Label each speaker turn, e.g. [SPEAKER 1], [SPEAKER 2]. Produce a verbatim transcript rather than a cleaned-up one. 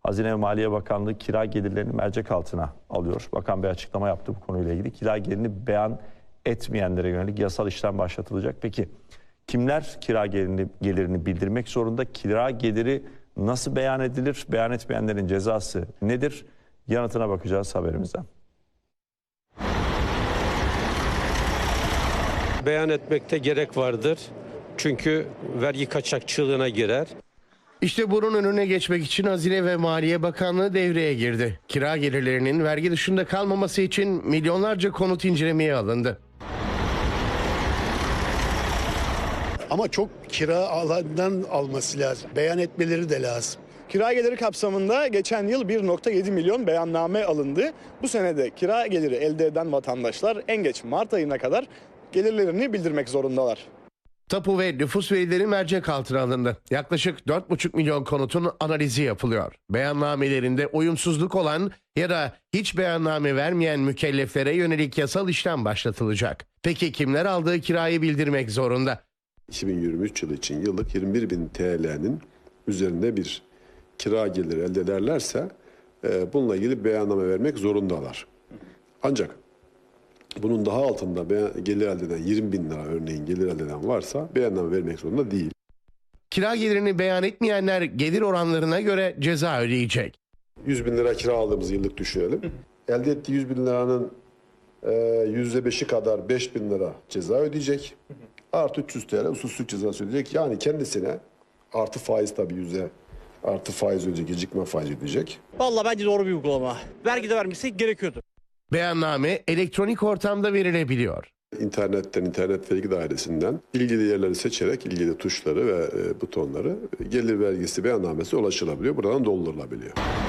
[SPEAKER 1] Hazine ve Maliye Bakanlığı kira gelirlerini mercek altına alıyor. Bakan bir açıklama yaptı bu konuyla ilgili. Kira gelirini beyan etmeyenlere yönelik yasal işlem başlatılacak. Peki kimler kira gelirini, gelirini bildirmek zorunda? Kira geliri nasıl beyan edilir? Beyan etmeyenlerin cezası nedir? Yanıtına bakacağız haberimizden.
[SPEAKER 2] Beyan etmekte gerek vardır. Çünkü vergi kaçakçılığına girer.
[SPEAKER 3] İşte bunun önüne geçmek için Hazine ve Maliye Bakanlığı devreye girdi. Kira gelirlerinin vergi dışında kalmaması için milyonlarca konut incelemeye alındı.
[SPEAKER 4] Ama çok kira alandan alması lazım. Beyan etmeleri de lazım.
[SPEAKER 5] Kira geliri kapsamında geçen yıl bir nokta yedi milyon beyanname alındı. Bu sene de kira geliri elde eden vatandaşlar en geç Mart ayına kadar gelirlerini bildirmek zorundalar.
[SPEAKER 3] Tapu ve nüfus verileri mercek altına alındı. Yaklaşık dört buçuk milyon konutun analizi yapılıyor. Beyannamelerinde uyumsuzluk olan ya da hiç beyanname vermeyen mükelleflere yönelik yasal işlem başlatılacak. Peki kimler aldığı kirayı bildirmek zorunda?
[SPEAKER 6] iki bin yirmi üç yılı için yıllık yirmi bir bin T L'nin üzerinde bir kira geliri elde ederlerse e, bununla ilgili beyanname vermek zorundalar. Ancak bunun daha altında gelir elde eden yirmi bin lira örneğin gelir elde eden varsa beyanname vermek zorunda değil.
[SPEAKER 3] Kira gelirini beyan etmeyenler gelir oranlarına göre ceza ödeyecek.
[SPEAKER 6] yüz bin lira kira aldığımız yıllık düşünelim. Elde ettiği yüz bin liranın e, yüzde beşi kadar beş bin lira ceza ödeyecek. Artı üç yüz T L usulsüzlük cezası ödeyecek. Yani kendisine artı faiz tabii yüzde artı faiz ödeyecek, gecikme faiz ödeyecek.
[SPEAKER 7] Vallahi bence doğru bir uygulama. Vergi de vermesi gerekiyordu.
[SPEAKER 3] Beyanname elektronik ortamda verilebiliyor.
[SPEAKER 6] İnternetten, internet vergi dairesinden ilgili yerleri seçerek ilgili tuşları ve e, butonları gelir vergisi beyannamesi ulaşılabiliyor. Buradan doldurulabiliyor.